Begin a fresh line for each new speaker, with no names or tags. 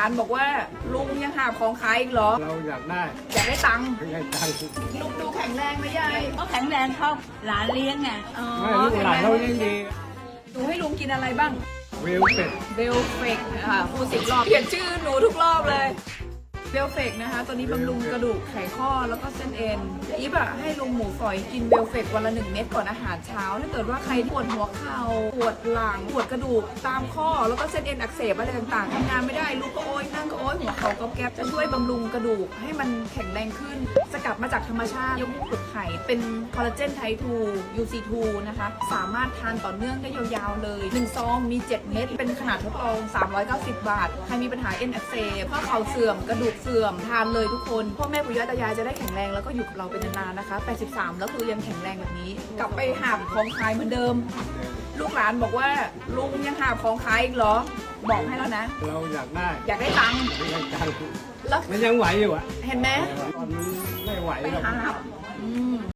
านบอกว่าลุงยังหาของขายอีกเหรอ
เราอยากได้
อยากได้ตังค์
ไม่ได้ตังค์
ลุงดูแข็งแรงไหมยาย
ก็แข็งแรงเขาหลานเลี้ยงไง
อ๋อ
ไม่ลูกหลานเรายิ่งดี
ดูให้ลุงกินอะไรบ้าง
เวลเป็ด
เบลเฟกค่ะพูด10 รอบเปลี่ยนชื่อหนูทุกรอบเลยเบลเฟกนะคะตัวนี้บำรุงกระดูกไขข้อแล้วก็เส้นเอ็นอีฟอะให้ลุงหมูฝอยกินเบลเฟกวันละ1 เม็ดก่อนอาหารเช้าถ้าเกิดว่าใครปวดหัวเข่าปวดหลังปวดกระดูกตามข้อแล้วก็เส้นเอ็นอักเสบอะไรต่างๆทำงานไม่ได้ลุกก็โอยนั่งก็โอยหัวเข่าก็แก๊บจะช่วยบำรุงกระดูกให้มันแข็งแรงขึ้นสกัดมาจากธรรมชาติยกมุกเปลือกไข่เป็นคอลลาเจนไทป์ 2 UC2 นะคะสามารถทานต่อเนื่องได้ยาวๆเลย1 ซองมี 7 เม็ดเป็นขนาดทดลอง390 บาทใครมีปัญหาเอ็นอักเสบข้อเข่าเสื่อมกระดูกเสื่อมทานเลยทุกคนพ่อแม่ปู่ย่าตายายจะได้แข็งแรงแล้วก็อยู่กับเราเป็นนานๆนะคะ83แล้วคือยังแข็งแรงแบบนี้กลับไปหาของขายเหมือนเดิมลูกหลานบอกว่าลุงยังหาของขายอีกเหรอบอกให้แล้วนะ
เราอยากได้
อยากได้ตังค์
ไม่ได้ตังค์
แล้ว
มันยังไหวอยู่อ่ะ
เห็นไหม
ตอนนี้ไม่ไหว
ไป
หรอก
หา